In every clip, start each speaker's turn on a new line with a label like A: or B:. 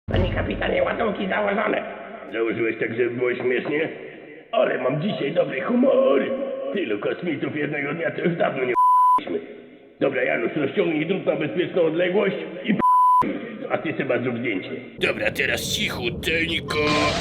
A: Panie kapitanie, ładunki założone. Założyłeś tak, żeby było śmiesznie? Ale mam dzisiaj dobry humor. Tylu kosmitów jednego dnia to już dawno nie p***liśmy. Dobra, Janusz, rozciągnij drut na bezpieczną odległość i a ty chyba zrób zdjęcie.
B: Dobra, teraz cichuteńko.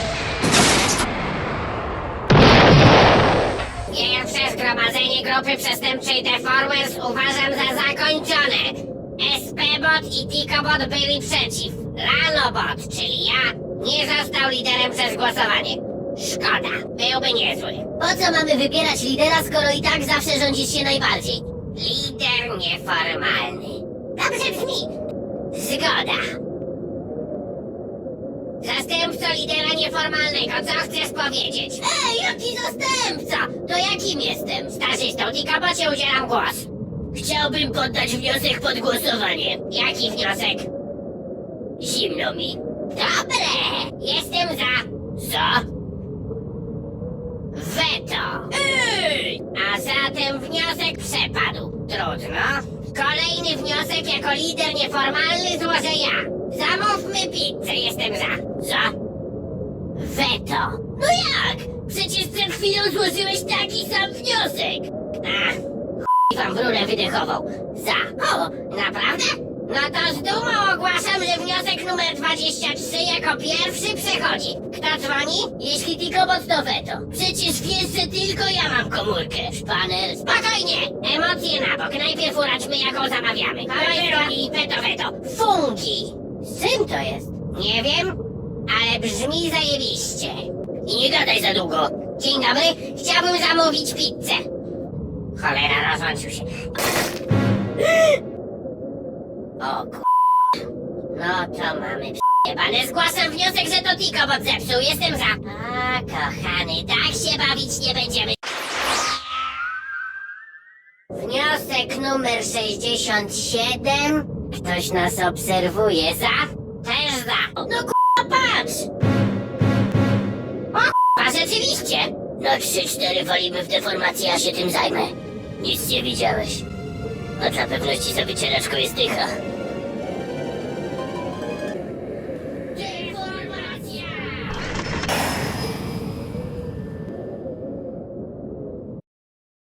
C: Pierwsze zgromadzenie grupy przestępczej Deformers uważam za zakończone. SP-bot i Tikobot byli przeciw. Lanobot, czyli ja, nie został liderem przez głosowanie. Szkoda, byłby niezły.
D: Po co mamy wybierać lidera, skoro i tak zawsze rządzisz się najbardziej?
C: Lider nieformalny. Dobrze brzmi. Zgoda. Zastępco lidera nieformalnego, co chcesz powiedzieć?
D: Ej, jaki zastępca? To jakim jestem?
C: Starzystą Tikobocie udzielam głos.
D: Chciałbym poddać wniosek pod głosowanie.
C: Jaki wniosek?
D: Zimno mi.
C: Dobre! Jestem za.
D: Co?
C: Weto.
D: Ej!
C: A zatem wniosek przepadł. Trudno. Kolejny wniosek jako lider nieformalny złożę ja. Zamówmy pizzę, jestem za.
D: Co?
C: Weto.
D: No jak? Przecież przed chwilą złożyłeś taki sam wniosek.
C: Ach,
D: I wam w rurę wydechową.
C: za.
D: O,
C: Naprawdę? No to z dumą ogłaszam, że wniosek numer 23 jako pierwszy przechodzi. Kto dzwoni?
D: jeśli Tikobot to weto. Przecież wiesz, że tylko ja mam komórkę. Szpaner.
C: Spokojnie! Emocje na bok. Najpierw uradźmy, jaką zamawiamy. Kolej weto. Fungi.
D: Z czym to jest?
C: Nie wiem, ale brzmi zajebiście.
D: I nie gadaj za długo.
C: Dzień dobry, chciałbym zamówić pizzę. Cholera, rozłączył się.
D: O k...
C: No to mamy p***bane. Zgłaszam wniosek, że to Tikobot zepsuł. Jestem za. A, kochany, tak się bawić nie będziemy. Wniosek numer 67. Ktoś nas obserwuje. Za? Też za.
D: No k... patrz!
C: A rzeczywiście.
D: No 3-4 walimy w deformację, ja się tym zajmę. Nic nie widziałeś. A dla pewności za wycieraczką jest dycha.